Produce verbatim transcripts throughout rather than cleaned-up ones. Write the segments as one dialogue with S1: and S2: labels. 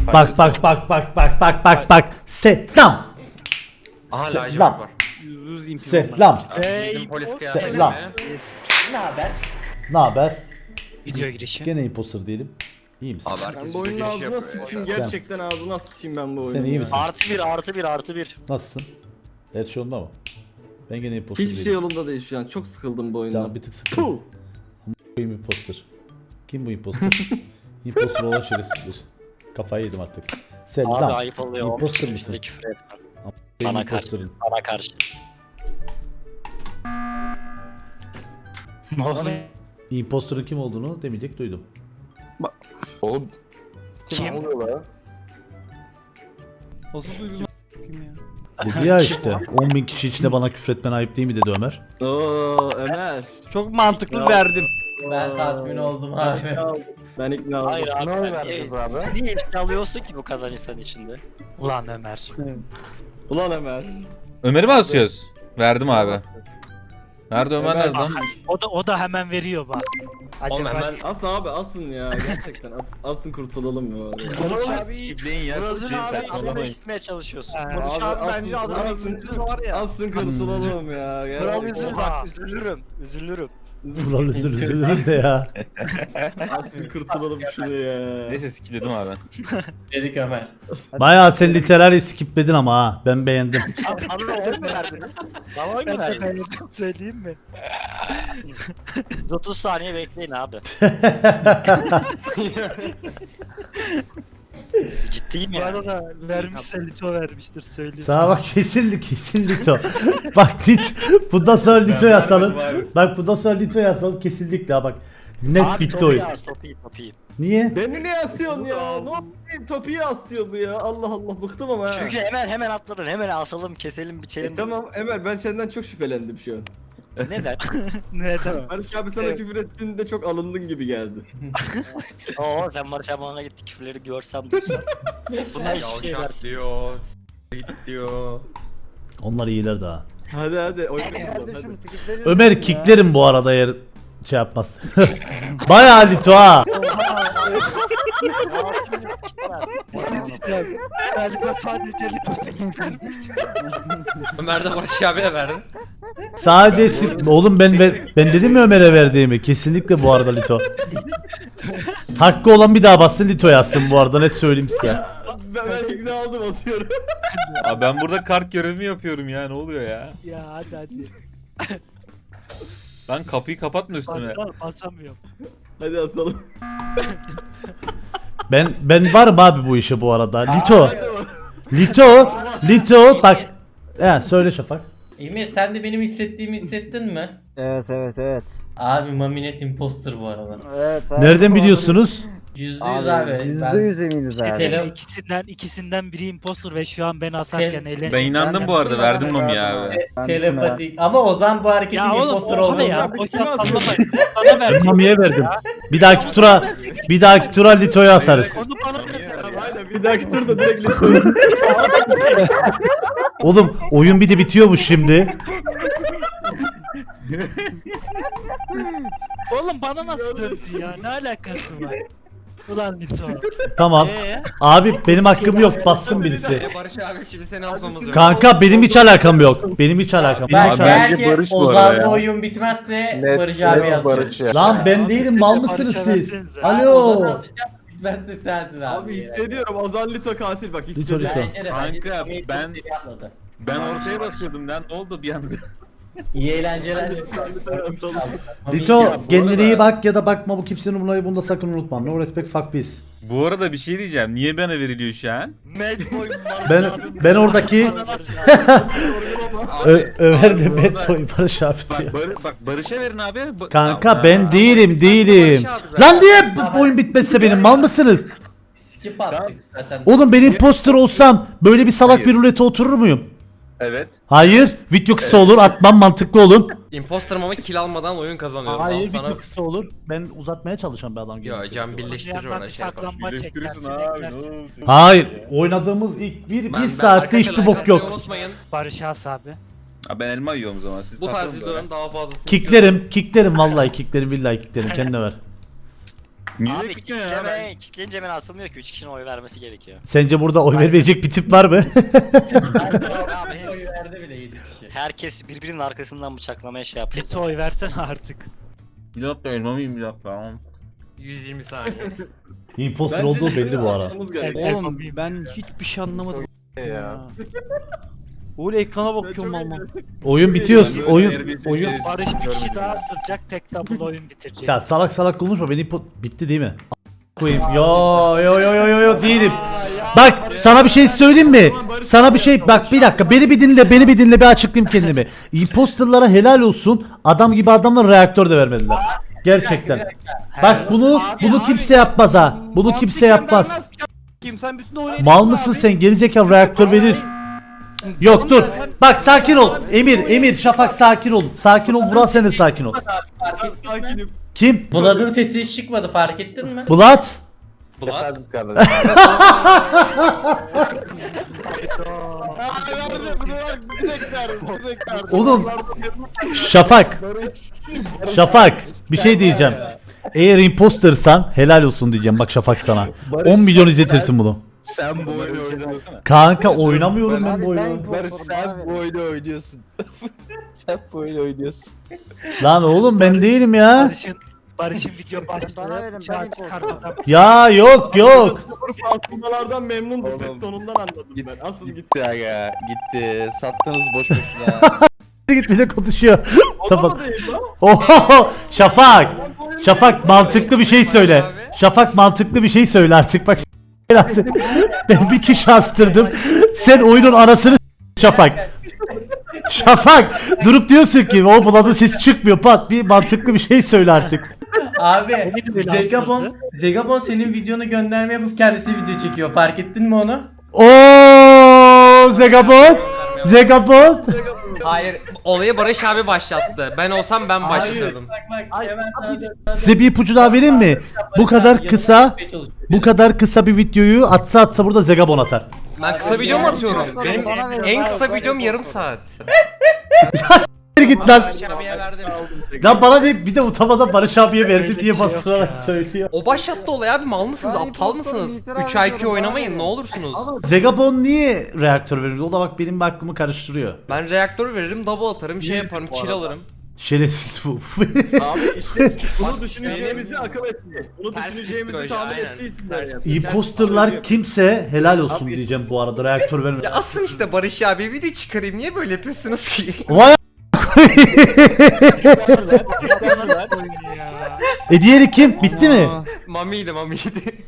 S1: Bak bak bak bak bak bak bak bak. Selam.
S2: Aha lacivert
S1: Selam.
S2: var.
S1: Selam.
S2: Bizim polis kıyafeti
S1: Selam.
S2: mi?
S1: Ne haber?
S3: Video girişi.
S1: Gene imposter değilim. İyi misin?
S2: Abi
S4: Ben
S2: herkes
S4: bu oyunun
S2: video
S4: ağzına
S2: yapıyor
S4: sıçayım
S2: ya.
S4: gerçekten ağzına sıçayım ben bu oyunu.
S1: Sen iyi misin?
S5: Artı bir artı bir artı bir.
S1: Nasılsın? Her şey yolunda mı? Ben gene imposter
S4: Hiçbir şey
S1: değilim.
S4: yolunda değil şu an. Çok sıkıldım bu
S1: Canım
S4: oyundan.
S1: bir tık sıkıldım.
S4: Puh!
S1: Kim imposter? Kim bu imposter? Imposter olan şerefsizdir. Kafayı yedim artık. Selam.
S5: Abi ayıp oluyor.
S1: Imposter
S5: on
S1: mısın?
S5: beş küfür etmem.
S1: Benim
S5: Bana karşı.
S1: imposter'ım.
S5: Bana karşı.
S3: Ne oldu?
S1: Imposter'ın kim olduğunu demeyecek duydum.
S6: Oğlum
S3: Kim?
S6: ne oluyor lan?
S1: Dedi ya işte on bin kişi içinde bana küfretmen ayıp değil mi dedi Ömer.
S4: Oo Ömer.
S7: Çok mantıklı
S4: Ya.
S7: verdim.
S8: Ben tatmin oldum abi.
S4: Ben ikna oldum.
S5: Hayır abi.
S6: Ne oy
S5: ben-
S6: verdiniz
S5: niye-
S6: abi?
S5: Niye ifşa alıyorsun ki bu kadar insan içinde?
S3: Ulan Ömer.
S4: Ulan Ömer.
S9: Ömer'i mi asıyoruz? Verdim abi. Nerede Ömer,
S4: Ömer-
S9: nerede? lan?
S3: O da o da hemen veriyor bak.
S2: Oğlum
S3: Acaba
S2: hemen
S4: As abi asın ya gerçekten as, asın kurtulalım ya.
S2: Oğlum skipleyin ya.
S5: Burası
S2: Skipleyin
S5: abi anneme
S2: saçmalamayın.
S5: istmeye çalışıyorsun.
S3: Ee,
S4: Abi
S7: Abi
S4: asın,
S7: bence adamın
S4: asın,
S7: üzüntüsü var ya.
S4: asın kurtulalım ya.
S5: Kral
S4: Gerçekten.
S5: üzül bak üzülürüm. Üzülürüm.
S1: Ulan üzül üzülürüm de ya.
S4: Asın kurtulalım şunu ya.
S9: Neyse skipledim abi.
S8: Dedik Ömer.
S1: Bayağı sen literary skipledin ama ha. Ben beğendim.
S5: Bana oy mu verdiniz? Bana oy mu
S3: Ben de
S5: verdiniz?
S3: beğendim, söyleyeyim mi?
S5: otuz saniye bekleyin abi. Ciddiyim
S3: Bu
S5: ya.
S3: arada vermişse Lito vermiştir söyleyeyim.
S1: Sağa bak kesin kesin Lito. Bak Lito. Bundan sonra Lito yazalım. Bak bundan sonra Lito yazalım kesinlikle ha bak. Net
S5: Abi
S1: bitti
S5: topu
S1: oyun.
S5: yaz topu topu.
S1: Niye?
S4: Beni niye asıyorsun ya? Ne oldu? Topiyi as diyor bu ya. Allah Allah bıktım ama ha.
S5: Çünkü hemen hemen atladın. Hemen asalım, keselim, biçelim.
S4: E, tamam Ömer ben senden çok şüphelendim şu an.
S5: Neden?
S3: Neden?
S4: Barış abi sana küfür ettiğinde çok alındın gibi geldi.
S5: Oo sen Barış abi bana gitti küfürleri görsem duysam. Bunlar hiçbir şey
S2: Yavşak
S5: versin.
S2: diyor. s- Git diyor.
S1: Onlar iyiler daha.
S4: Hadi hadi oyna buradan, hadi.
S1: Ömer kicklerim bu arada eğer şey yapmaz. Bayağı Lito ha.
S5: altı bin skip verdi.
S3: Galiba sadece Lito senin vermiş.
S2: Ömer de Barış abiye verdi.
S1: Sadece sim- oğlum ben ver- ben dedim mi Ömer'e verdiğimi? Kesinlikle bu arada Lito. Hakkı olan bir daha bassın Lito yazsın bu arada net söyleyeyim size.
S4: Ben, ben ikna oldum asıyorum.
S9: Abi ben burada kart görevimi yapıyorum ya, ne oluyor ya?
S3: Ya hadi hadi.
S9: Lan kapıyı kapatma üstüme.
S3: Bas, basamıyorum.
S4: Hadi asalım.
S1: Ben ben varım abi bu işe bu arada. Lito. Lito. Lito bak. He söyle Şafak.
S8: Emir sen de benim hissettiğimi hissettin mi?
S7: Evet evet evet.
S8: Abi Maminet imposter bu arada.
S7: Evet.
S1: Nereden biliyorsunuz?
S8: Yüzde yüz abi.
S7: Yüzde yüz eminiz abi.
S8: Tele-
S3: İkisinden ikisinden biri impostor ve şu an ben asarken
S8: Sen-
S3: eğlen.
S9: Ben inandım bu arada, verdim Mami abi.
S7: Ben
S8: telepatik. Ama Ozan bu hareketin
S3: Ya oğlum
S8: imposter
S3: o
S8: olduğunu.
S3: ne ya?
S4: Abi,
S3: Boş
S4: kim
S3: yap
S4: asıyor?
S3: sallamayın. Sana ver.
S1: Mami'ye verdim. Bir dahaki tura bir dahaki tura Lito'yu asarız.
S3: Onu bana ver.
S4: Aynen bir dahaki turda direkt lütfen.
S1: Oğlum oyun bir de bitiyormuş şimdi.
S3: Oğlum bana nasıl dönsün ya? Ne alakası var? Ulan Lito.
S1: Tamam.
S3: Eee?
S1: Abi benim hakkım yok. Bassın birisi.
S2: E, Barış abi şimdi seni asmamız lazım.
S1: Kanka benim hiç alakam yok. Benim hiç alakam. Benim
S8: Ben
S1: hiç alakam.
S8: belki
S6: Barış bu arada
S8: Ozan'da
S6: ya.
S8: oyun bitmezse
S6: Net,
S8: Barış abi
S6: net
S8: yazıyor.
S6: Barış ya.
S1: Lan ben değilim mal mısınız
S3: Barış'a
S1: siz?
S3: versenize.
S1: Alo.
S8: Ozan asacak, bitmezse sensin abi.
S4: Abi hissediyorum Ozan Lito katil bak
S1: Lito,
S4: hissediyorum.
S1: Lito.
S8: Bence de
S9: Kanka,
S8: bence de
S9: ben-
S8: seri atladı.
S9: Ben ortaya basıyordum lan, ne oldu bir anda?
S8: İyi eğlenceler.
S1: Lito kendine iyi bak ya da bakma bu kimsenin umuruna bunu da sakın unutma. No respect fuck peace.
S9: Bu arada bir şey diyeceğim, niye bana veriliyor şu an?
S5: Mad boy Barış
S1: Ben
S5: abim.
S1: ben oradaki Ö- Ömer de bad boy Barış abi
S9: Bak,
S1: diyor.
S9: Bar- bak Barış'a verin abi. Ba-
S1: Kanka
S9: Aa,
S1: ben değilim değilim.
S9: Barış abi zaten.
S1: Lan niye bu oyun bitmezse benim mal mısınız?
S8: Skip attık zaten.
S1: Oğlum ben imposter olsam böyle bir salak
S9: Hayır.
S1: bir rulete oturur muyum?
S9: Evet.
S1: Hayır. Video kısa olur. Atmam mantıklı olur.
S2: Imposter'ım ama kill almadan oyun kazanıyorum. Al
S1: Hayır
S2: sana...
S1: video kısa olur. Ben uzatmaya çalışan bir adam gibi.
S2: Yo can birleştirir
S3: Yandan
S2: ona
S3: bir
S2: şey yapar.
S3: saklanma
S9: Birleştirirsin
S3: çeklersin,
S9: abi, ne
S3: eklersin.
S9: oldu?
S1: Hayır. Oynadığımız ilk bir,
S2: Ben-
S1: bir
S2: ben
S1: saatte
S2: arkadaşlar
S1: hiçbir
S2: like
S1: bok
S2: atmayı
S1: yok.
S2: Unutmayın.
S3: Barış As abi.
S9: Abi ben elma yiyorum o zaman. Siz
S2: Bu tarz
S9: takılın
S2: videoların daha fazlasını
S1: Kicklerim. Kicklerim vallahi kicklerim. Billahi kicklerim. Kendine ver.
S6: Niye
S5: Abi
S6: bekliyor ya?
S5: kitleme, kitleyince ben atılmıyor ki. Üç kişinin oy vermesi gerekiyor.
S1: Sence burada oy vermeyecek bir tip var mı?
S5: Abi
S8: Oy
S5: hepsi,
S8: verdi bile yedi kişi.
S5: herkes birbirinin arkasından bıçaklamaya şey yapıyor.
S3: Lito oy versene artık.
S9: Bir dakika elma mıyım bir dakika.
S2: yüz yirmi saniye.
S1: Imposter olduğu belli bu ara.
S4: Atmamız gerekiyor.
S3: Oğlum
S10: Ben hiçbir şey anlamadım ya. Oğlum ekrana bakıyorum ama.
S1: Oyun bitiyor. Oyun oyun.
S3: Barış bir kişi daha ısıracak, tek double oyun bitirecek.
S1: Ya salak salak konuşma. Benim impo- bitti değil mi? A- koyayım. Yo yo yo yo yo yo değilim. Bak sana bir şey söyleyeyim mi? Sana bir şey bak bir dakika beni bir dinle beni bir dinle bir açıklayayım kendimi. Imposterlara helal olsun. Adam gibi adamlar reaktör de vermediler. Gerçekten. Bak bunu bunu kimse yapmaz ha. Bunu kimse yapmaz.
S10: Kim sen bütün oyunu
S1: Mal mısın sen? Gerizekalı reaktör verir. Yok dur. Bak sakin ol. Emir, Emir, Şafak sakin ol. Sakin ol. Vural sen de sakin ol.
S4: Sakinim.
S1: Kim?
S8: Bulad'ın sesi hiç çıkmadı fark ettin mi?
S1: Bulat.
S2: Bulat.
S6: Efendim kardeşim.
S1: Oğlum. Şafak. Şafak. Bir şey diyeceğim. Eğer impostersan helal olsun diyeceğim. Bak Şafak sana. on milyon izletirsin bunu.
S6: Sen bu oyunu oynuyorsun.
S1: Kanka oynamıyorum ben bu
S7: Abi ben
S1: oyunu.
S6: Barış
S7: imposterım, bana
S6: sen
S7: verin.
S6: bu oyunu oynuyorsun. Sen bu oyunu oynuyorsun.
S1: Lan oğlum ben değilim ya.
S3: Barış'ın Barış'ın video
S7: Bana
S3: başlığı
S7: verin, ben
S3: bıçağı
S7: imposter.
S3: çıkarmadan
S1: Ya yok yok.
S4: Atmalardan memnundu ses
S6: Oğlum.
S4: tonundan anladım ben. Asıl git.
S6: Gitti aga gitti. Sattınız boş boşuna.
S1: Git bir de konuşuyor.
S4: O da
S1: Tamam.
S4: mı değil lan?
S1: Oho Şafak. Şafak mantıklı bir şey söyle. Şafak mantıklı bir şey söyle artık bak. s- artık. Ben bir kişi astırdım. Sen oyunun anasını s- Şafak. Şafak durup diyorsun ki o Bulat'ın sesi çıkmıyor pat bir mantıklı bir şey söyle artık.
S8: Abi
S3: öyle
S8: Zegabon, Zegabon senin videonu gönderme yapıp kendisi video çekiyor. Fark ettin mi onu?
S1: Oo Zegabot. Zegabot.
S2: Hayır, olayı Barış abi başlattı. Ben olsam ben başlatırdım.
S8: Bak bak hemen sana
S1: Size bir ipucu daha vereyim mi? Bu kadar kısa bu kadar kısa bir videoyu atsa atsa burada Zegabon atar.
S2: Ben kısa video mu atıyorum? Benim
S7: Bana verin,
S2: en
S7: bana
S2: kısa
S7: verin.
S2: videom yarım saat.
S1: Git lan.
S2: Barış abiye verdim.
S1: Lan bana ne bir de utanmadan Barış abiye verdi diye bastırarak söylüyor.
S2: O başlattı olayı abi, mal mısınız,
S7: Ben
S2: aptal
S7: imposterım,
S2: mısınız?
S7: itiraf
S2: üç I Q
S7: ediyorum,
S2: oynamayın
S7: bana
S2: ne
S7: verin.
S2: olursunuz.
S1: Zegabon niye reaktör verir? O da bak benim bir aklımı karıştırıyor.
S2: Ben reaktör veririm, double atarım, şey yaparım, kill alırım.
S1: Şerefsiz bu.
S4: Abi işte bunu düşüneceğimizi akıl etti. Bunu
S2: Ters
S4: düşüneceğimizi
S2: psikoloji,
S4: tahmin
S2: aynen.
S4: ettiği isimler
S2: Ters.
S4: yaptı.
S1: Imposterlar kimse helal olsun diyeceğim bu arada reaktör verme.
S2: Ya asın işte Barış abi, video çıkarayım, niye böyle yapıyorsunuz ki?
S1: Vay
S3: oyunu ya.
S1: E diğeri kim? Bitti mi?
S2: Mamiydi mamiydi.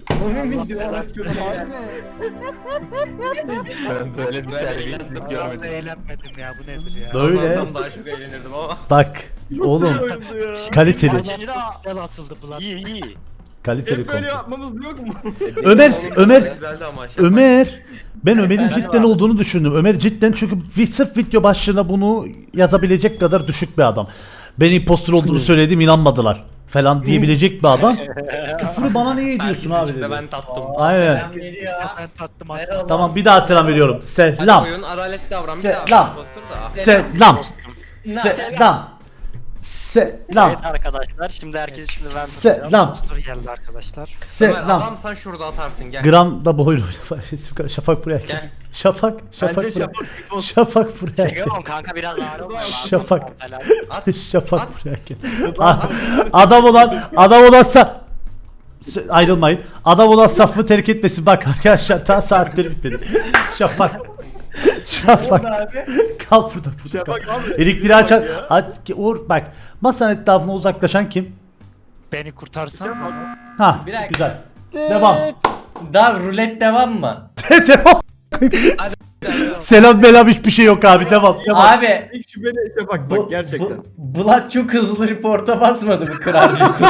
S6: Ben böyle bir terbiyesizlik
S3: Ben de
S6: görmedim.
S3: eğlenmedim ya, bu nedir ya.
S1: Böyle
S2: Kazansam daha çok eğlenirdim ama.
S1: bak oğlum kaliteli
S3: Bence de güzel asıldı Bulat.
S5: İyi iyi.
S1: kaliteli
S4: Hep böyle
S1: konu.
S4: yapmamız yok mu?
S1: Ömer Ömer
S2: Güzeldi ama şey.
S1: Ömer ben Ömer'in cidden olduğunu düşündüm. Ömer cidden çünkü vi- sırf video başlığına bunu yazabilecek kadar düşük bir adam. Ben impostor olduğunu söyledim inanmadılar falan diyebilecek bir adam. Küfürü bana niye ediyorsun
S2: Herkesin
S1: abi
S2: içinde
S1: dedi.
S2: ben tattım.
S1: Aynen.
S8: Ben veriyor.
S3: Ben tattım aslında.
S1: Tamam bir daha selam veriyorum.
S2: Hadi
S1: Selam.
S2: oyun adaletli davran bir
S1: Selam.
S2: daha. Impostor da.
S1: Selam. Selam. Selam.
S5: Evet arkadaşlar şimdi herkes şimdi ben
S1: Selam.
S3: Monster geldi arkadaşlar.
S2: Ömer
S1: Selam.
S2: adam sen şurada atarsın gel.
S1: Gram da bu oyunu oynama. Şafak buraya gel.
S2: Gel.
S1: Şafak. Şafak
S4: Bence
S1: buraya.
S4: Şafak
S1: Şafak buraya gel.
S5: Segabon kanka biraz ağır olma.
S1: Şafak.
S2: At.
S1: Şafak buraya gel. Adam olan adam olansa ayrılmayın. Adam olan safı terk etmesin. Bak arkadaşlar daha saatleri bitmedi. Şafak. Şafak. Kal burada burada kal.
S4: Şafak abi.
S1: Elektriği açan. Aç, Uğur bak. Masanın etrafına uzaklaşan kim?
S3: Beni kurtarsan.
S1: Ha
S8: Bir dakika.
S1: güzel. Devam.
S8: Daha rulet devam mı?
S1: Devam. Selam belam hiçbir şey yok abi devam. Devam.
S8: Abi
S4: İlk şüpheli Şafak
S8: bu,
S4: bak gerçekten.
S8: bu, Bulat çok hızlı reporta basmadı mı kırarcısı?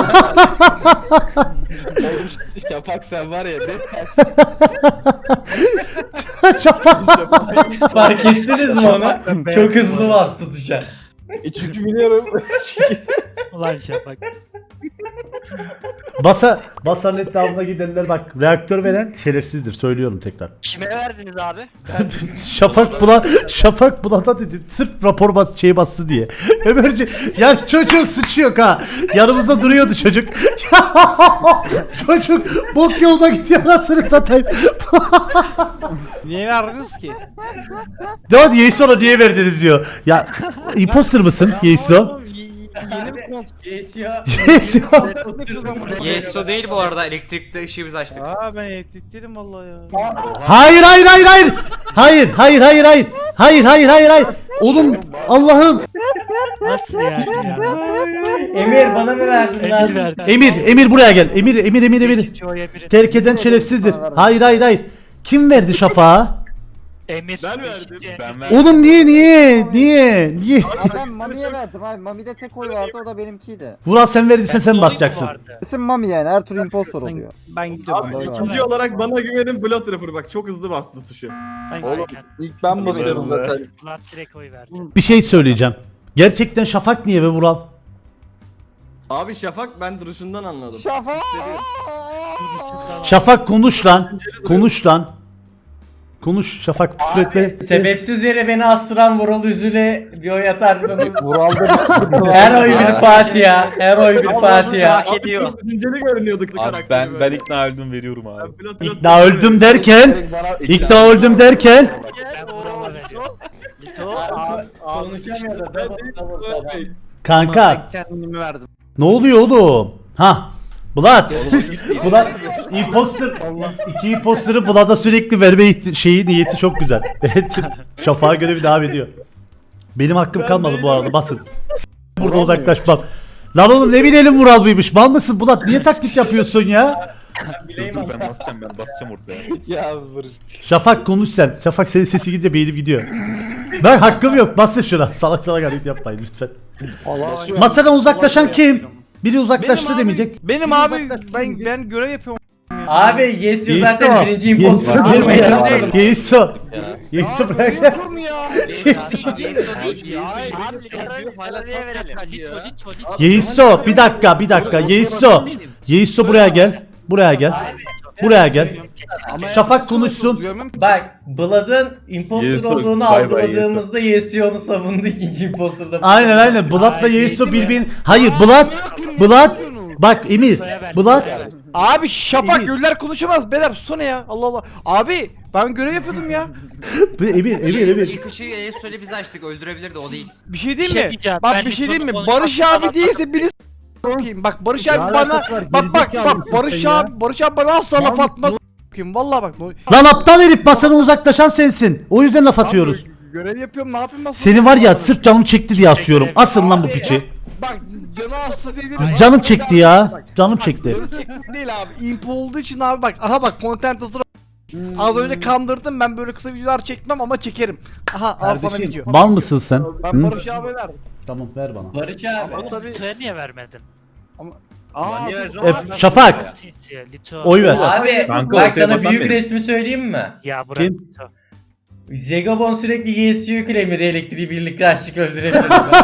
S6: Şafak sen var ya ne
S1: Şafak.
S8: Fark ettiniz mi onu? Çok hızlı bastı tuşa.
S6: Çünkü biliyorum.
S3: Ulan Şafak.
S1: Basa, Basa'nın etrafına gidenler bak reaktör veren şerefsizdir söylüyorum tekrar.
S5: Kime verdiniz abi?
S1: Şafak bula Şafak bulata dedim sırf rapor bas şey bastı diye. Ömerci ya çocuğun suçu yok ha. Yanımızda duruyordu çocuk. Çocuk bok yolda gidiyor anasını satayım.
S10: Niye verdiniz ki?
S1: Ya Yeiso'na niye verdiniz diyor. Ya imposter mısın Yeiso?
S10: Yeni bir kont.
S8: Yesio.
S1: Yeiso.
S2: Yeso değil bu arada, elektrikte ışığı biz açtık.
S10: Aa ben elektriklerim vallahi ya.
S1: Hayır hayır hayır hayır. Hayır hayır hayır hayır. Hayır hayır hayır hayır. Oğlum Allah'ım.
S3: Nasıl yani ya?
S8: Emir bana mı verdin lan?
S3: Emir verdi.
S1: Emir Emir buraya gel. Emir Emir Emir Emir.
S3: İkinci oy Emir'in.
S1: Terk eden şerefsizdir. Hayır hayır hayır. Kim verdi Şafak'a?
S3: Emir.
S4: Ben verdim.
S3: ikinci Emir.
S9: Ben verdim.
S1: Oğlum niye niye niye niye?
S7: Abi ben Mami'ye verdim abi. Mami'de tek oy vardı o da benimkiydi.
S1: Vural sen verdiysen sen
S3: Oy mu
S1: basacaksın.
S3: vardı?
S7: İsim Mami yani her tur impostor oluyor.
S10: Ben gidiyorum.
S4: Abi
S7: Doğru.
S4: ikinci olarak bana güvenin Blood Trapper bak çok hızlı bastı tuşu.
S10: Ben
S6: Oğlum
S3: Aynen.
S6: ilk ben basıyorum zaten.
S3: Ulan direkt oy verdi.
S1: Bir şey söyleyeceğim. Gerçekten Şafak niye be Vural?
S4: Abi Şafak ben duruşundan anladım.
S7: Şafak!
S1: Şafak konuş lan. Konuş lan. Konuş Şafak küfür etme.
S8: Sebepsiz yere beni astıran Vural Üzül'e bir oy atarsanız.
S6: Vural'da
S8: Her oy bir Fatiha. Her oy bir Fatiha.
S5: Hak ediyor.
S4: Düşünceli görünüyorduk
S9: Abi
S4: karakteri
S9: ben ben
S4: böyle.
S9: ikna öldüm veriyorum abi.
S4: Ben Blood Trapper
S1: İkna öldüm derken. İkna öldüm derken.
S3: Ben Vural'a veriyorum.
S8: Konuşamıyor da double double double.
S1: Kanka
S10: kendimi verdim.
S1: ne oluyor oğlum? Ha. Blood. Blood. Imposter. İki imposter'ı Blood'a sürekli verme ihti- şeyi niyeti çok güzel. Evet. Şafak'a görevi devam ediyor. Benim hakkım kalmadı bu arada basın. Burada uzaklaşmam. Lan oğlum ne bilelim Vural buymuş. Mal mısın Blood? Niye taklit yapıyorsun ya?
S8: Bileyim
S9: Dur,
S8: ama.
S9: ben basacağım ben basacağım ortaya.
S6: Ya Barış.
S1: Şafak konuş sen. Şafak senin sesi gidince beynim gidiyor. Ben hakkım yok. Basın şuna. Salak salak hareket yapmayın lütfen. Masadan uzaklaşan kim? Biri uzaklaştı demeyecek.
S10: Benim abi ben ben görev yapıyorum.
S8: Abi Yesio
S1: Yeiso.
S8: zaten birinci imposter
S1: Yeiso.
S8: olmaya çalışıyordum.
S1: Yeiso. Yeiso bırak.
S10: Olur mu ya?
S2: Yeso değil, Yeso.
S5: Abi literalliye verelim.
S3: Lito Lito Lito.
S1: Yeiso bir dakika bir dakika. Yeiso. Yeiso buraya gel. Buraya gel. Buraya gel. Şafak konuşsun.
S8: Bak Blood'ın imposter
S9: Yeiso,
S8: olduğunu
S9: bay bay
S8: algıladığımızda Yesio'nu savundu ikinci imposter'da.
S1: Aynen aynen. Blood'la Yeiso birbirini... Hayır Blood. Blood. Bak Emir. Blood.
S10: Abi Şafak
S1: Emir.
S10: göller konuşamaz. Beyler susana ya. Allah Allah. Abi ben görev yapıyordum ya.
S1: Emir Emir Emir.
S2: İlk ışığı Yeso'yla biz açtık, öldürebilirdi o değil.
S10: Bir şey
S3: Bir
S10: diyeyim
S3: şey
S10: mi?
S3: diyeceğim,
S10: Bak
S3: ben
S10: bir şey diyeyim mi?
S3: Lito'nun
S10: Barış
S3: konuşmasını
S10: abi değilse biri s**eyim. Bak Barış abi bana bak bak bak Barış abi Barış abi bana asla laf atmaz. S**eyim. Vallahi bak. no-
S1: Lan aptal herif masadan uzaklaşan sensin. O yüzden laf atıyoruz.
S10: Abi, görev yapıyorum ne yapayım ben?
S1: Seni var ya sırf canım çekti diye asıyorum. Asın lan bu piçi.
S10: Bak canı aslı değil.
S1: Canım çekti ya. Canım çekti.
S10: Canı çekti değil abi. Imp olduğu için abi bak. Aha bak content hazır. Az önce kandırdım ben böyle kısa videolar çekmem ama çekerim. Aha al sana video.
S1: Mal mısın sen?
S10: Ben
S1: Hı?
S10: Barış abi verdim.
S1: Tamam ver bana.
S8: Barış abi.
S10: Ama tabii.
S3: Lito'ya niye vermedin?
S10: Aa,
S1: E, Şafak.
S3: Sinsi Lito.
S1: Oy ver.
S8: Abi
S9: Kanka,
S8: bak
S9: ortaya
S8: sana
S9: batan
S8: büyük
S9: benim.
S8: resmi söyleyeyim mi?
S3: Ya bırak
S1: Kim?
S3: Lito.
S8: Zegabon sürekli Yesio'yu claimledi elektriği birlikte açtık öldürebiliriz.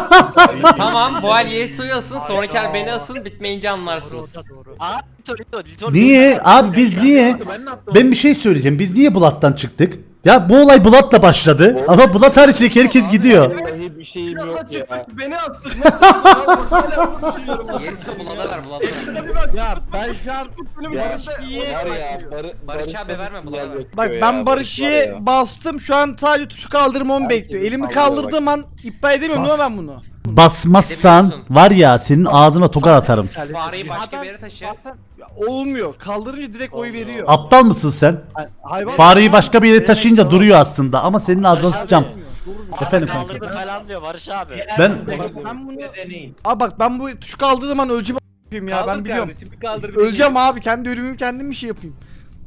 S2: Tamam, bu el Yeso'yu asın, sonraki el beni asın, bitmeyince anlarsınız.
S3: Doğru doğru.
S5: Abi Lito Lito Lito.
S1: Niye? Abi biz niye? Ben bir şey söyleyeceğim. Biz niye Blood'dan çıktık? Ya bu olay Blood'la başladı. Ama Blood hariçteki herkes gidiyor.
S6: Vallahi bir şeyim yok ya.
S4: Çıktık beni astın. Nasıl oldu? Hala bunu düşünüyorum.
S2: Yeso bulana ver, bulana ver.
S10: ya ben şu an
S6: Ya var ya Barı,
S2: Barış abi verme, buna ver.
S10: bak ben Barış'ı bastım şu an sadece tuşu kaldırmamı bekliyor. Elimi kaldırdığım an iptal edemiyorum değil mi ben bunu?
S1: Basmazsan var ya senin ağzına tokat atarım.
S2: Fareyi başka bir yere taşı.
S10: Ya olmuyor. Kaldırınca direkt oy veriyor.
S1: Aptal mısın sen?
S10: Hayvan.
S1: Fareyi başka bir yere taşıyınca duruyor aslında ama senin ağzına sıçacağım. Efendim kanka.
S5: Kaldırdı falan diyor Barış abi.
S1: Ben
S10: Ben bunu
S8: Deneyin.
S10: Abi bak ben bu tuşu kaldırdığım an öleceğim a**ayım ya ben biliyorum. Öleceğim abi kendi ölümümü kendim bir şey yapayım.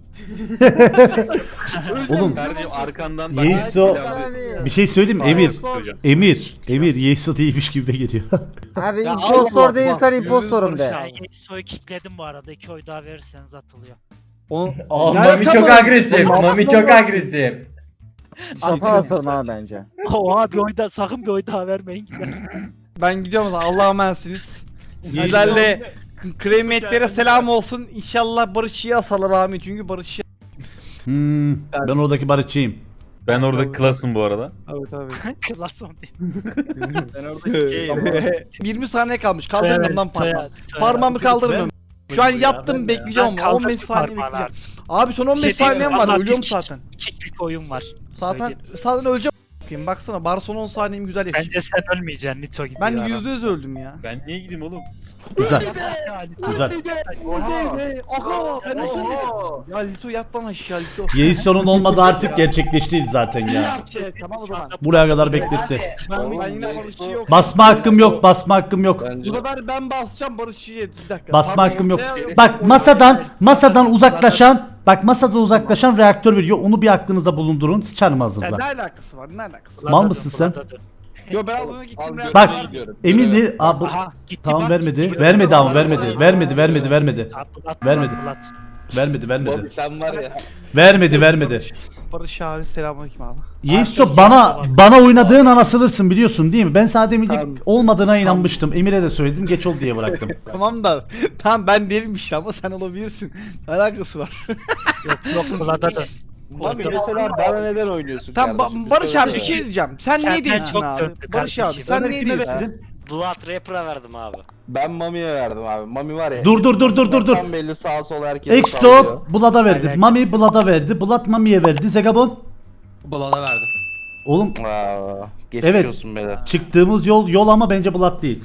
S1: oğlum
S9: Kardeşim arkandan
S1: Yeiso bir şey söyleyeyim mi? Emir.
S9: Hocam.
S1: Emir. Emir Yeiso değilmiş gibi de geliyor.
S7: Abi
S10: Ya
S7: impostor
S10: Allah,
S7: değilsen
S10: bak,
S7: impostorum de.
S3: Ben Yeso'yu kickledim bu arada. İki oy daha verirseniz atılıyor.
S10: Onu
S8: Oh,
S10: Ne
S8: Mami
S10: alaka
S8: çok
S10: var?
S8: agresif. Mami çok agresif.
S7: Şafa asalım abi bence.
S3: Oha bir oy daha sakın bir oy daha vermeyin.
S10: ben gidiyorum o zaman Allah'a emanetsiniz. Sizlerle Kremiyetlere selam olsun. İnşallah Barış'ı asalar amin. Çünkü Barış'ı...
S1: Hmm, ben oradaki barışçıyım.
S9: Ben orada klasım bu arada.
S10: Evet abi.
S3: Klas mı diye.
S4: Ben oradaki
S10: yirmi saniye kalmış. Kaldırmıyorum lan
S3: Soyad,
S10: parmağımı.
S3: soyad.
S10: Parmağımı kaldırmıyorum. Şu an yattım
S4: ben de.
S10: bekleyeceğim
S3: Ben
S10: ama on beş
S3: kaldırdım
S10: saniye
S3: parmağını
S10: bekleyeceğim. Abi son on beş
S3: Bir şey diyeyim mi?
S10: saniyem var.
S3: Vallahi
S10: Ölüyorum
S3: bir-
S10: zaten.
S3: Kiklik oyun var.
S10: Zaten
S3: Söyleyeyim.
S10: zaten öleceğim. a**ayım. Baksana bari son on saniyemi güzel yaşayayım.
S3: Bence sen ölmeyeceksin. Nito gidiyor.
S10: Ben
S3: adam.
S10: yüzde yüz öldüm ya.
S9: Ben niye gideyim oğlum?
S1: Güzel.
S3: Ya, Nito.
S1: Güzel.
S10: Aga ben de
S4: Oho.
S10: Ya Lito yat lan aşağı Lito.
S1: Yeison'un olmadığı artık gerçekleşti zaten ya.
S10: Şey, tamam o zaman.
S1: Buraya kadar bekletti.
S10: Ben, ben yine Barış'ı yok.
S1: Basma hakkım yok, basma hakkım yok.
S6: Bence
S10: Bu sefer ben basacağım Barış'ı. Bir dakika.
S1: Basma
S10: Pardon,
S1: hakkım yok.
S10: ortaya-
S1: Bak masadan, masadan uzaklaşan, bak masadan uzaklaşan reaktör veriyor. Onu bir aklınıza bulundurun. Sıçarım
S10: Ya
S1: ağzınıza.
S10: ne alakası var? Ne alakası var?
S1: Mal mısın sen?
S10: Yo ben az önce gittim.
S6: Al,
S1: Bak,
S6: götüne gidiyorum.
S1: Emin değil. Aa, bu-
S3: Aha gitti
S1: tamam
S3: bak,
S1: vermedi.
S3: gitti.
S1: Vermedi ama vermedi. Vermedi, vermedi, vermedi.
S3: Atlat,
S1: Vermedi.
S3: atlat.
S1: Vermedi, vermedi.
S6: Bobby sen var ya.
S1: Vermedi, vermedi.
S10: Barış abi selamünaleyküm abi.
S1: Yeiso bana bana oynadığın an asılırsın biliyorsun değil mi? Ben sana demeyecek
S10: Tamam.
S1: olmadığına inanmıştım. Emir'e de söyledim. Geç oldu diye bıraktım.
S10: Tamam da tamam ben değilim işte ama sen olabilirsin. Ne alakası var?
S3: Yok yok Vlad'a dön.
S6: Mami mesela bana neden oynuyorsun
S10: Tamam
S6: kardeşim?
S10: Ba- Barış abi bir
S6: söyle.
S10: şey diyeceğim. Sen
S3: Senden
S10: niye değilsin
S3: çok
S10: abi?
S3: döndü
S10: Barış abi
S3: kardeşim.
S10: sen niye değilsin?
S5: Blood Rapper'a verdim abi.
S6: Ben Mami'ye verdim abi. Mami var ya.
S1: Dur, dur, dur, dur, dur, dur.
S6: Tam belli sağa sola herkes sallıyor.
S1: Exto Blad'a verdi. Mami Blad'a verdi. Blad Mami'ye verdi. Zegabon.
S2: Balona verdim.
S1: Oğlum
S6: Aa, geçmiş
S1: Evet.
S6: olsun beyler.
S1: çıktığımız yol yol ama bence Blad değil.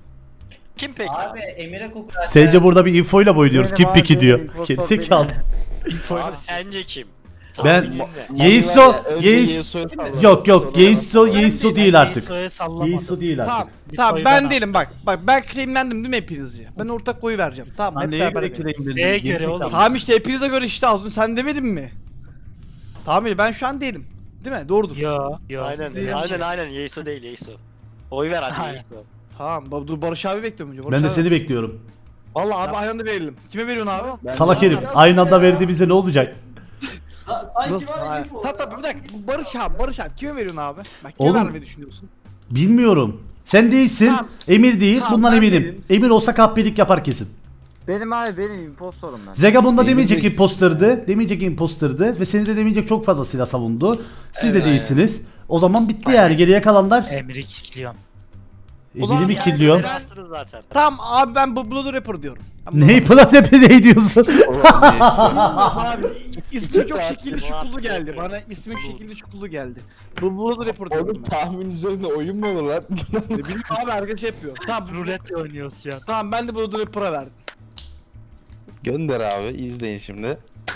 S5: Kim peki?
S8: Abi Emir'e kokuyor.
S1: Sence burada bir infoyla mı oynuyoruz?
S7: Benim
S1: Kim
S7: abi,
S1: piki diyor.
S7: benim impostor
S1: Gerizekalı.
S5: Abi sence kim?
S1: Ben-
S5: Tahminin ne?
S6: Mami
S1: Yeiso,
S6: var ya, önce
S1: Yeis...
S6: Yeiso'yu sallıyor.
S1: Yok yok
S6: Sonra
S1: Yeiso,
S6: bana-
S1: Yeiso değil artık.
S3: Yeiso'ya sallamadım.
S1: Yeiso değil
S10: Tamam.
S1: artık.
S10: Tamam
S3: Lito'yu
S10: ben
S3: ben
S10: değilim bak. Bak ben claimlendim değil mi hepinizce? Ben ortak oyu vereceğim. Tamam hep beraber. verelim.
S3: Neye göre oğlum?
S10: Tamam işte hepinize göre işte az önce sen demedin mi? Tamam işte ben şu an değilim. Değil mi? Doğrudur.
S3: Yo yo.
S5: Aynen
S3: Değil.
S5: aynen aynen Yeiso değil Yeiso. Oy ver hadi
S3: Aynen.
S5: Yeiso.
S10: Tamam ba- dur Barış abi bekliyorum önce. Barış
S1: Ben de
S10: abi.
S1: seni bekliyorum.
S10: Vallahi abi aynı anda verelim. Kime veriyorsun abi?
S6: Ben-
S1: Salak herif. Aynı anda verdi bize ne olacak?
S10: Nasıl? Hayır. Tabii tabii bir dakika. Bu Barış abi, Barış abi kime veriyorsun abi? Bak kime
S1: Oğlum.
S10: vermeyi düşünüyorsun?
S1: Bilmiyorum. Sen değilsin.
S10: Tamam.
S1: Emir değil.
S10: Tamam,
S1: Bundan
S10: ben
S1: eminim.
S10: değilim.
S1: Emir olsa kahpelik yapar kesin.
S7: Benim abi benim impostorum ben.
S1: Zegabon'da
S6: Emir
S1: demeyecek
S6: değil.
S1: imposterdı. Demeyecek imposterdı. Ve seni de demeyecek çok fazla silah savundu. Siz de
S6: Evet,
S1: değilsiniz. O zaman bitti yani. Geriye kalanlar
S3: Emir'i kilitliyorum.
S1: Emir'i mi
S5: Yani
S1: killiyor?
S5: beni astınız zaten.
S10: Tamam abi ben bu Blood Rapper diyorum. Ben
S1: Ney Platepe ne diyorsun?
S6: Ulan Yeiso.
S10: Abi ismi çok şekilli
S5: Blood
S10: şukullu geldi.
S5: Rapper.
S10: Bana ismi şekilli şukullu geldi. Bu Blood Rapper diyorum
S6: Oğlum
S10: ben.
S6: tahmin üzerine oyun mu olur lan?
S10: Ne bileyim abi herkes şey yapıyor. Tamam
S3: Rulet oynuyoruz şu an.
S10: Tamam ben de Blood Rapper'a verdim.
S6: Gönder abi izleyin şimdi.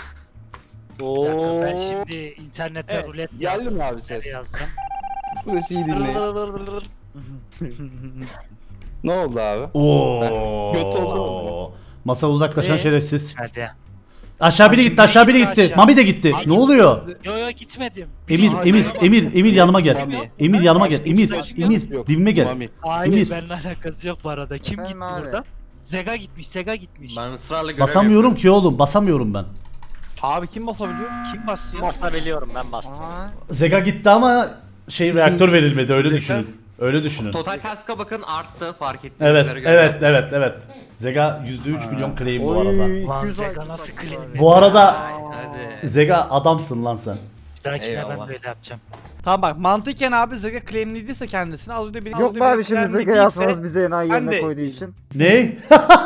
S5: Oo.
S3: Ben şimdi internete
S10: Evet,
S3: rulet
S6: geldi
S3: yazdım.
S6: mi abi ses?
S3: Yazdım.
S6: Bu sesi iyi dinleyin. Ne oldu abi? Göt oldu
S1: Oo. Masa uzaklaşan
S3: Ee?
S1: şerefsiz.
S3: Hadi.
S1: Aşağı biri gitti, aşağı biri gitti.
S3: Aşağı.
S1: Mami de gitti. Ne oluyor?
S3: Yo yo gitmedim.
S1: Emir,
S10: Abi,
S1: Emir,
S10: bak.
S1: Emir, Emir yanıma gel.
S6: Mami.
S1: Emir yanıma gel.
S6: Başka
S1: Emir,
S6: hiçbir şey
S1: Emir,
S6: yok.
S1: dibime gel.
S6: Mami.
S3: Hayır
S1: Emir.
S3: benimle alakası yok bu arada. Kim
S7: Ben
S3: gitti
S7: abi.
S3: burada? Zega gitmiş, Zega gitmiş.
S2: Ben ısrarla görev
S1: Basamıyorum
S2: yapıyorum.
S1: ki oğlum, basamıyorum ben.
S10: Abi kim basabiliyor?
S3: Kim basıyor?
S5: Basabiliyorum ben bastım.
S7: Aa,
S1: Zega gitti ama şey reaktör verilmedi öyle düşünün. Öyle düşünün.
S2: Total task'a bakın arttı fark ettiğiniz
S1: Evet,
S2: üzere göre.
S1: evet, evet, evet. Zega yüzde üç milyon claim bu arada.
S7: oy,
S3: Lan
S7: iki yüz
S3: Zega
S7: like
S3: nasıl
S7: tutmuş
S3: clean
S7: abi.
S1: Bu arada
S2: Hadi.
S1: Zega adamsın lan sen.
S3: Bir dahakine
S2: Eyvallah.
S3: ben böyle yapacağım.
S10: Tamam bak mantıken abi Zega claimlediyse kendisini az önce bir
S7: Yok be abi şimdi Zega yazmanız bize enayi
S10: Ben
S7: yerine
S10: de-
S7: koyduğu için.
S1: Ne?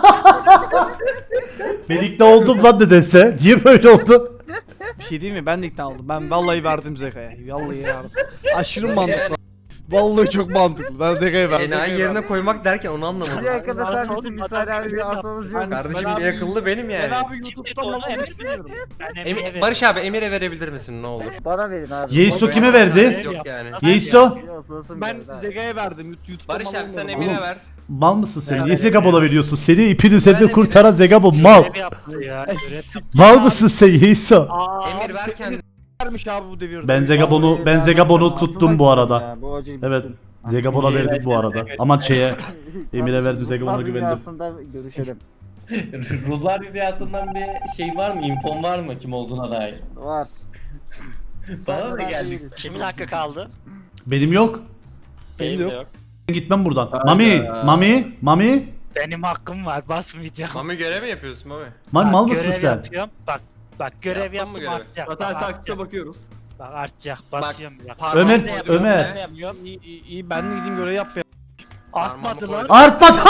S1: Ben ikna oldum lan nedense. Niye böyle oldu?
S10: Bir şey değil mi? Ben de ikna oldum. Ben vallahi verdim Zega'ya. Vallahi verdim. Aşırı mantıklı. Vallahi çok mantıklı. Ben Zega'ya verdim.
S2: Enayi yerine koymak derken onu
S7: Bir
S2: anlamadım.
S7: dakika
S3: Lan
S7: sen
S3: oğlum,
S7: misin
S3: adam
S7: misal abi bir
S3: claim
S7: asmamız
S10: yaptı.
S7: yok.
S2: Kardeşim
S10: Ben
S2: bir
S10: abi-
S2: akıllı benim
S10: Ben
S2: yani.
S10: abi
S3: Kim
S10: YouTube'dan
S3: dedi onu
S10: bakmak
S3: Emir
S10: istiyorum.
S3: Ben Emir'e
S2: Emi-
S3: veririm.
S2: Barış abi Emir'e verebilir misin ne olur?
S7: Bana verin abi.
S1: Yeiso kime verdi?
S2: Yok yani.
S1: Yeiso?
S7: Nasıl
S10: Ben
S7: verin abi?
S10: Zega'ya verdim. YouTube'dan
S2: Barış abi sen
S10: alamıyorum.
S2: Emir'e ver.
S1: Mal mısın sen?
S3: Ben
S1: Niye
S3: de-
S1: Zegabon'a veriyorsun? Seni ipin üzerinde
S3: Ben de-
S1: kurtaran Zegabon mal.
S3: Görev yaptı ya.
S10: Ay,
S3: Görev
S10: sik-
S1: Mal mısın sen Yeiso?
S10: Aa,
S2: Emir
S10: abi
S2: ver
S10: sen
S2: kendini.
S10: vermiş abi bu devirde.
S1: Ben Zegabon'u
S7: Vallahi
S1: ben
S7: ben
S1: Zegabon'u
S7: verdim.
S1: tuttum
S7: Asılmak
S1: bu arada.
S7: istedim ya, bu acı
S1: Evet.
S7: bitsin.
S1: Zegabon'a verdik bu arada. Aman şeye Emir'e verdim, Zegabon'a
S7: Ruhlar
S1: güvendim.
S7: dünyasında görüşelim.
S8: Ruhlar Dünyası'ndan bir şey var mı? İnfon var mı kim olduğuna dair?
S7: Var.
S8: Bana
S7: Sen
S8: da
S7: de ben
S8: geldik.
S7: değiliz.
S5: Kimin hakkı kaldı?
S1: Benim yok.
S5: Benim de
S10: yok.
S5: yok.
S1: Gitmem buradan. Mami, Mami, Mami.
S3: Benim hakkım var basmayacağım.
S2: Mami görev mi yapıyorsun Mami?
S1: Mal
S3: Bak,
S1: mal mısın
S3: görev
S1: sen?
S3: yapıyorum. Bak bak görev
S2: Yaptın mı
S3: yaptım
S2: görevi?
S3: artacak.
S4: Zaten
S3: Bak,
S4: taksite
S3: artacak.
S4: bakıyoruz.
S3: Bak artacak basıyorum bak.
S2: Parmağını
S1: Ömer,
S2: da yapıyorum
S1: Ömer.
S2: be.
S5: Yapıyorum.
S10: İyi, iyi, iyi ben de gideyim görev yap ya.
S3: Artmadı
S2: Parmağımı
S3: lan.
S1: Artmadı.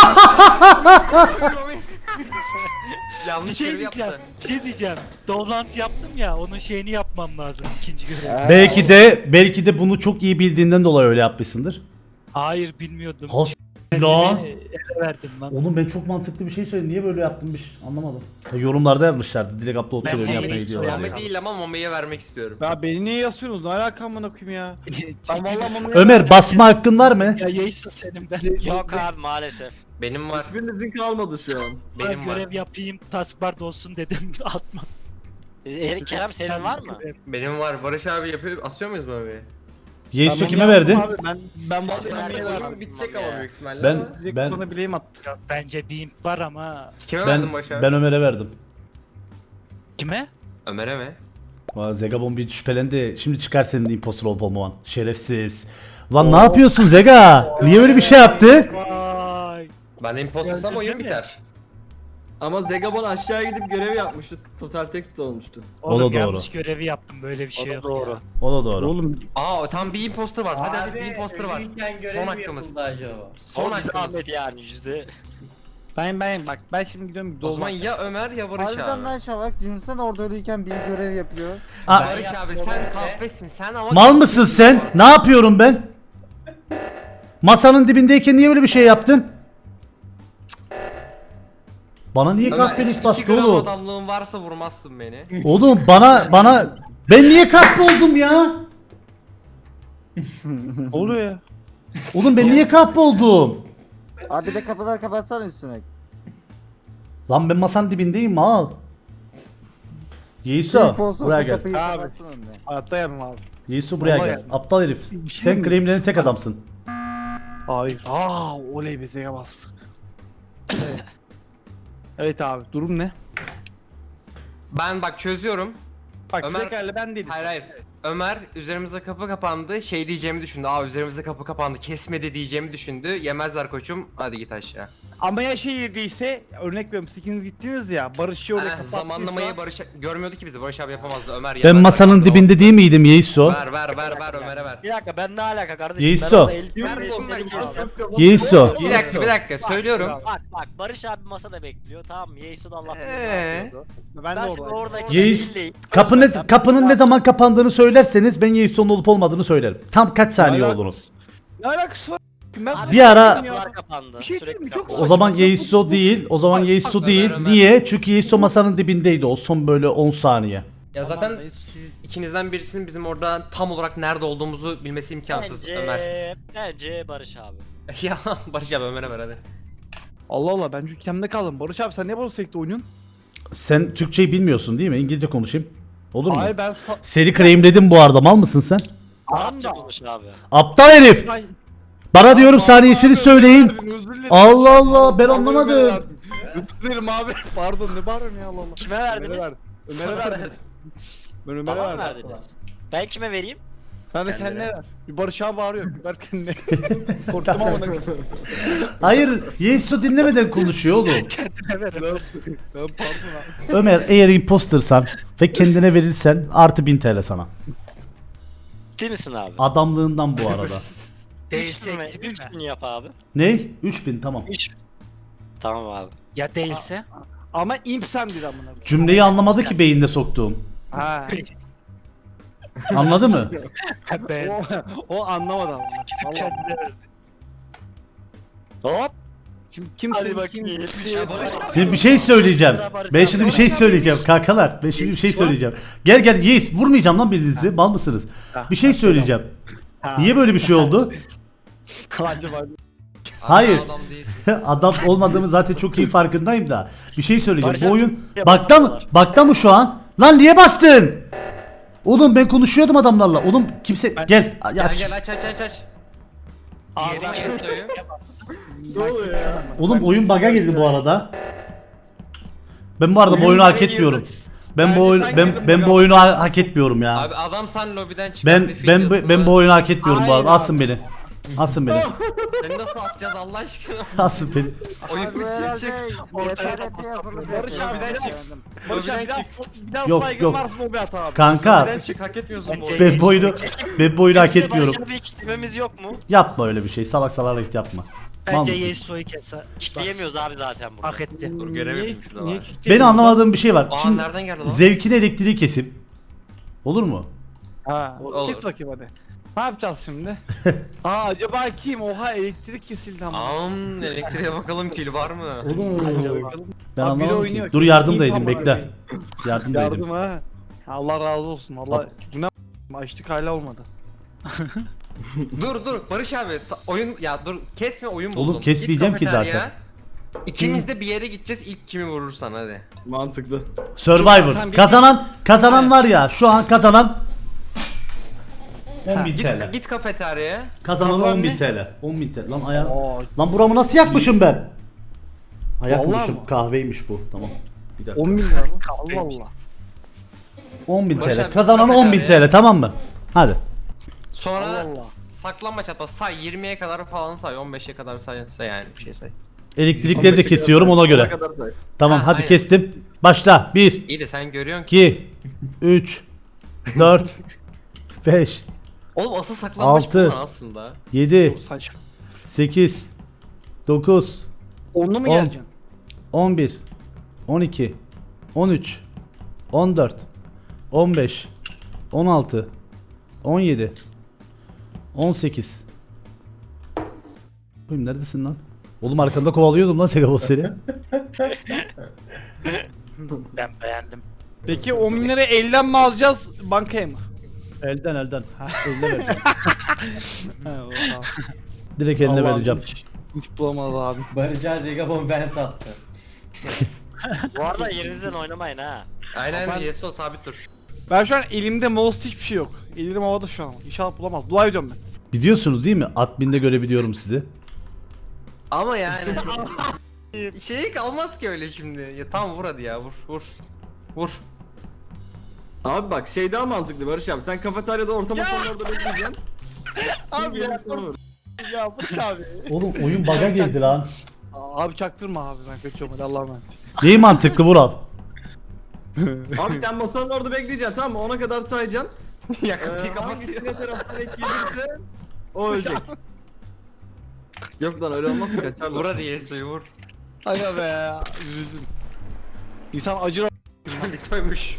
S3: Bir
S2: Yanlış
S3: şey
S2: görev
S3: diyeceğim.
S2: yaptı.
S3: Bir şey diyeceğim. Dolant yaptım ya onun şeyini yapmam lazım ikinci görev.
S1: belki de belki de bunu çok iyi bildiğinden dolayı öyle yapmışsındır.
S3: Hayır bilmiyordum.
S1: Has lan.
S3: Beni ele verdim lan.
S1: Oğlum ben çok mantıklı bir şey söyledim. Niye böyle yaptımmış? Anlamadım. Ya yorumlarda yazmışlardı. Direkt upload
S3: Ben
S1: görevini
S3: Mami'yi
S1: yapmaya gidiyorlar.
S3: soruyorum.
S2: Mami değil ama Mami'ye vermek istiyorum.
S10: Ya beni niye yazıyorsunuz? Ne alaka amına koyayım ya? Ben vallahi mamaya...
S1: Ömer basma hakkın var mı?
S3: Ya Yeiso senin ben.
S5: Yok abi maalesef.
S2: Benim var.
S4: Hiçbirinizin kalmadı şu an.
S3: Ben
S2: Benim var.
S3: görev yapayım taskbar olsun dedim atma.
S5: Ee, Kerem senin var mı?
S2: Benim var. Barış abi yapıyor. Asıyor muyuz Mami'ye?
S1: Yeiso
S10: Ben
S1: kime
S10: mamaya
S1: verdin?
S10: yaptım abi, Ben ben vallahi mamaya
S2: Oyun
S10: verdim.
S2: bitecek ama büyük ihtimalle.
S1: Ben
S2: ama.
S10: Direkt
S1: ben
S10: bana bileğim attı.
S3: Ya, bence bir imp var ama
S2: Kime verdin
S1: ben
S2: Barış abi?
S1: ben Ömer'e verdim.
S3: kime?
S2: Ömer'e mi?
S1: Valla Zegabon bir şüphelendi. Şimdi çıkar senin impostor olup olmaman. Şerefsiz. Lan ne yapıyorsun Zega? Niye böyle bir şey yaptı?
S3: Vay.
S2: Ben impostorsam oyun
S3: Değil mi?
S2: biter.
S4: Ama Zegabon aşağı gidip görev yapmıştı. Total text olmuştu.
S1: O da
S3: Oğlum,
S1: doğru.
S3: yanlış görevi yaptım böyle bir şey yok.
S5: doğru.
S3: Ya.
S1: O da doğru.
S10: Oğlum
S2: Aa tam bir imposter var. Hadi hadi bir imposter var. Son hakkımız. Son
S5: Son bize
S2: hakkımız.
S5: Ahmet yani yüzde.
S10: ben ben bak ben şimdi gidiyorum
S2: O zaman
S10: dolma.
S2: ya Ömer ya Barış
S7: Harbiden
S2: abi.
S7: lan Şavak. Cünsen orada ölüyken bir görev yapıyor.
S1: Aa,
S2: Barış abi sen kahpesin sen ama...
S1: mal mısın sen? Ne yapıyorum ben? Masanın dibindeyken niye böyle bir şey yaptın? Bana niye
S2: Ömer
S1: kahpelik
S2: iki
S1: bastı
S2: gram
S1: oğlum?
S2: adamlığın varsa vurmazsın beni.
S1: Oğlum bana bana ben niye kahpe oldum ya?
S10: Ne oluyor ya?
S1: Oğlum ben niye kahpe oldum?
S7: Abi bir de kapılar kapatsana üstüne.
S1: Lan ben masanın dibindeyim mal. Yeiso
S7: Impostor
S1: buraya
S7: olsa
S1: gel.
S7: kapıyı
S10: Abi.
S7: kapatsın önüne.
S10: Hayatta yapmam abi.
S1: Yeiso buraya
S10: Vallahi
S1: gel.
S10: yani.
S1: Aptal herif.
S10: Bir şey
S1: Sen
S10: mi?
S1: claimlerin tek adamsın.
S10: Hayır. Aa oley be Zega bastı. Evet. Evet abi durum ne?
S2: Ben bak çözüyorum.
S10: Bak
S2: Ömer-
S10: Zegar'la ben değilim.
S2: Hayır hayır. Ömer üzerimize kapı kapandı. Şey diyeceğimi düşündü. Aa üzerimize kapı kapandı. Kesmedi diyeceğimi düşündü. Yemezler koçum. Hadi git aşağı.
S10: Ama ya şey yediyse örnek veriyorum siz ikiniz gittiniz ya Barış'ı oraya
S2: Eh,
S10: kapattıysa.
S2: zamanlamayı Barış görmüyordu ki bizi. Barış abi yapamazdı. Ömer
S1: Ben
S2: yemezler
S1: masanın
S2: kapı
S1: dibinde
S2: olmasa.
S1: değil miydim Yeiso?
S2: Ver ver ver ver Ömer'e ver.
S5: Bir dakika ben ne alaka kardeşim?
S1: Yeiso.
S5: Ben orada el-
S2: Kardeşim ben
S5: kestim.
S1: Yeiso.
S2: Bir dakika bir dakika söylüyorum.
S5: Bak bak Barış abi masada bekliyor tamam mı? Yeiso da Allah'tan
S2: Ee?
S10: Ben
S5: Ben,
S10: de
S5: ben şimdi
S10: orada.
S5: oradaki
S1: Yeis
S5: değilleyim.
S1: kapı ne,
S5: Barış abi,
S1: kapının ne zaman kapandığını söylerseniz ben Yeiso'nun olup olmadığını söylerim. Tam kaç saniye
S10: Hala-
S1: olduğunu.
S10: Ne alakası var? Ben
S5: Abi,
S1: Bir ara-
S5: kapılar kapandı.
S10: Bir şey
S5: Sürekli
S10: diyeyim mi? Çok
S5: kapandı.
S1: O zaman Yeiso değil. O zaman Yeiso değil.
S2: Ömer.
S1: Niye? Çünkü Yeiso masanın dibindeydi. O son böyle on saniye.
S2: Ya zaten siz ikinizden birisinin bizim orada tam olarak nerede olduğumuzu bilmesi imkansız
S5: Bence,
S2: Ömer.
S5: bence Barış abi.
S2: Ya Barış abi Ömer'e ver hadi.
S10: Allah Allah ben çünkü kendimde kaldım. Barış abi sen niye Barış Sek'te oynuyorsun?
S1: Sen Türkçeyi bilmiyorsun değil mi? İngilizce konuşayım. Olur mu?
S10: Hayır ben sa-
S1: Seni claimledim bu arada. Mal mısın sen?
S5: Arapça konuş abi.
S1: Aptal herif.
S10: Ben-
S1: Bana diyorum saniyesini söyleyin.
S10: Özür dilerim.
S1: Allah Allah ben
S10: Vallahi
S1: anlamadım.
S10: Ömer'e verdim. Özür dilerim abi. Pardon ne bağırıyorsun ya Allah Allah.
S5: Kime
S10: Ömer'e
S5: verdiniz?
S10: verdim. Ömer'e verdim. Ben Ömer'e
S5: Bana mı
S10: verdim.
S5: verdiniz? Ben kime vereyim?
S10: Sen de kendine ver. Bir Barış abi bağırıyor. Bir ver kendine. Korktum ama ne kızım.
S1: Hayır, Yeiso dinlemeden konuşuyor oğlum.
S3: Kendine ver.
S10: Tamam tamam, pardon abi.
S1: Ömer eğer impostersan ve kendine verirsen artı bin T L sana.
S5: Ciddi misin abi?
S1: Adamlığından bu arada.
S3: Değilse
S5: üç
S3: eksi bir
S5: bin,
S3: mi?
S5: üç bin yap abi.
S1: Ne? üç bin tamam.
S5: üç. Tamam abi.
S3: Ya değilse?
S10: Ama imp sen dedi amına. koyayım.
S1: Cümleyi anlamadı ki beyinde soktuğum.
S10: Ha.
S1: Anladı mı?
S3: Ben
S10: o, o anlamadı ama. Vallahi.
S3: kendine ver.
S5: Hop.
S10: Şimdi kim
S5: Hadi
S10: kim-
S5: bakayım.
S10: kim-
S1: Şimdi bir şey söyleyeceğim. Ben şimdi bir şey söyleyeceğim kankalar. Ben şimdi bir şey söyleyeceğim. Gel gel Yeis vurmayacağım lan birinizi. Mal mısınız? Bir şey söyleyeceğim. Niye böyle bir şey oldu?
S10: Acaba
S1: Hayır.
S2: Adam değilsin.
S1: Adam olmadığımı zaten çok iyi farkındayım da. Bir şey söyleyeceğim.
S5: Barış
S1: Bu
S5: abi,
S1: oyun
S5: niye
S1: bakta mı?
S5: basıyorlar?
S1: Bakta mı şu an? Lan niye bastın? Oğlum ben konuşuyordum adamlarla. Oğlum kimse gel. Ya,
S2: Gel gel aç aç aç aç. Diğeri Chesto'yu.
S4: Ne oluyor ya?
S1: Oğlum oyun bug'a girdi bu arada. Ben bu arada bu oyunu hak etmiyorum. Ben bu oyun ben ben bu oyunu ha- hak etmiyorum ya.
S2: Abi adam sen lobiden çıkardı.
S1: Ben ben bu- ben bu oyunu hak etmiyorum bu arada.
S10: Hayır
S1: Asın beni. Asın beni.
S2: Seni nasıl asacağız Allah aşkına?
S1: Asın beni.
S2: Oyun
S7: Abi
S2: bitiyor
S7: herhalde
S2: çık.
S7: yeter hep bir hazırlık
S10: Barış
S7: yapıyor.
S10: abiden çık.
S7: Beğendim.
S10: Barış abi
S2: Öbürden
S10: biraz, biraz
S1: Yok,
S10: saygın
S1: yok.
S10: varsa mobi at abi.
S1: Kanka
S2: Neden çık hak etmiyorsun bu
S5: Bence-
S2: oyunu.
S1: ben bu oyunu, ben bu oyunu hak
S5: Kimse
S1: etmiyorum.
S5: Barış'a bir kitlememiz yok mu?
S1: Yapma öyle bir şey. Salak salak hareket yapma. Mal
S3: Bence
S1: mısın?
S3: Yasuo'yu keser.
S5: Kitleyemiyoruz abi zaten burada.
S3: Hak etti.
S2: Dur göremedim şurada
S10: Niye
S2: var.
S1: Benim anlamadığım bir şey var.
S2: Aa
S1: Şimdi
S2: nereden geldi lan?
S1: zevkine elektriği kesip olur mu?
S10: Ha,
S2: Olur.
S10: kes bakayım hadi. Ne yapacağız şimdi? Aa acaba kim? Oha elektrik kesildi ama.
S2: Am elektriğe bakalım kil var mı?
S1: Ben
S10: Abi biri
S1: anlamadım
S10: oynuyor
S1: ki.
S10: ki.
S1: Dur yardım da
S10: İyi
S1: edeyim
S10: tamam
S1: bekle.
S10: abi.
S1: Yardım da edeyim.
S10: Yardım ha. Allah razı olsun. Allah bu ne açtık hala olmadı.
S2: Dur dur Barış abi ta- oyun ya dur kesme oyun buldum.
S1: Oğlum, kesmeyeceğim
S2: Git
S1: ki
S2: kafeteryaya.
S1: zaten.
S2: İkimiz de bir yere gideceğiz ilk kimi vurursan hadi.
S4: Mantıklı.
S1: Survivor.
S10: Sen bir-
S1: Kazanan kazanan var ya şu an kazanan on bin
S2: Git
S1: T L.
S2: git kafeteryaya.
S1: Kazanan
S10: Kazanan
S1: on bin
S10: ne?
S1: T L. on bin T L. Lan ayağım.
S10: Aa,
S1: Lan buramı nasıl yakmışım ben?
S10: Vallahi
S1: Ayakmışım.
S10: mı?
S1: Kahveymiş bu. Tamam. Bir dakika.
S10: on bin lira mı? Allah Allah.
S1: on bin
S2: Barış
S1: T L.
S2: abi,
S1: Kazanan on bin
S2: kafeteryaya.
S1: T L tamam mı? Hadi.
S2: Sonra
S10: Allah Allah.
S2: saklanmaç hatta say yirmiye kadar falan say on beşe kadar say, say yani bir şey say.
S1: Elektrikleri de kesiyorum ona göre.
S4: kadar say.
S1: Tamam
S2: Ha,
S1: hadi
S2: aynen.
S1: kestim. Başla. bir,
S2: İyi de sen görüyorsun ki.
S1: iki, üç, dört, beş,
S2: Oğlum asıl saklanmaç
S1: Altı.
S2: bu lan aslında.
S1: yedi,
S10: Saçma.
S1: sekiz, dokuz,
S10: Onlu mu
S1: On.
S10: geleceksin?
S1: on bir, on iki, on üç, on dört, on beş, on altı, on yedi, on sekiz. Oğlum neredesin lan? Oğlum arkanda kovalıyordum lan Segabos seni.
S3: Ben beğendim.
S10: Peki on bin lira elden mi alacağız bankaya mı?
S1: Elden elden. Eline vereceğim.
S10: He o tamam.
S1: Direkt eline
S10: Allah'ım,
S1: vereceğim.
S10: Hiç, hiç bulamadı abi.
S8: Barış'a Zegabon ben tattı.
S5: Bu arada yerinizden oynamayın ha.
S2: Aynen
S10: Ben-
S2: Yeso sabit dur.
S10: Ben şu an elimde mouse hiçbir şey yok. Elim havada şu an. İnşallah bulamaz. Dua ediyorum ben.
S1: Biliyorsunuz değil mi? Admin'de görebiliyorum sizi.
S2: Ama yani şey kalmaz ki öyle şimdi. Ya tamam vur hadi ya vur vur. Vur.
S4: Abi bak şey daha mantıklı Barış abi. Sen kafeteryada orta masanın orada bekleyeceksin.
S10: Abi ya. Ya Barış abi.
S1: Oğlum oyun bug'a girdi lan.
S10: Aa, Abi çaktırma abi ben kaçıyorum hadi Allah'a emanet.
S1: Neyi mantıklı Vural?
S4: Abi sen masanın orada bekleyeceksin tamam mı? Ona kadar sayacaksın.
S2: ya
S4: Ee,
S2: kapıyı
S4: hangisine
S2: kapatıyor.
S4: taraftan ek gelirse o ölecek. Yok lan öyle olmaz ki kaçarlar.
S2: Vur hadi Yeso'yu vur.
S10: Aga be. Üzüldüm. İnsan acır.
S2: Bitoymuş.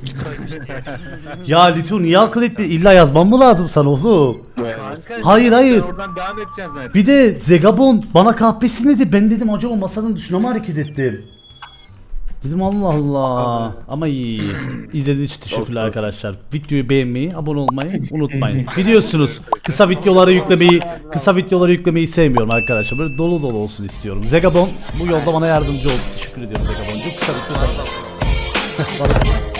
S1: Ya Litu niye akıl etti? İlla yazmam mı lazım sana oğlum? Hayır hayır.
S9: Oradan devam edeceksin zaten.
S1: Bir de Zegabon bana kahpesin dedi. Ben dedim acaba masanın dışına mı hareket ettim? Dedim Allah Allah. Ama iyi. İzlediğiniz için teşekkürler arkadaşlar. Videoyu beğenmeyi, abone olmayı unutmayın. Biliyorsunuz kısa videoları yüklemeyi, kısa videoları yüklemeyi sevmiyorum arkadaşlar. Böyle dolu dolu olsun istiyorum. Zegabon bu yolda bana yardımcı oldu. Teşekkür ediyorum Zegabon'cum. Kısa video.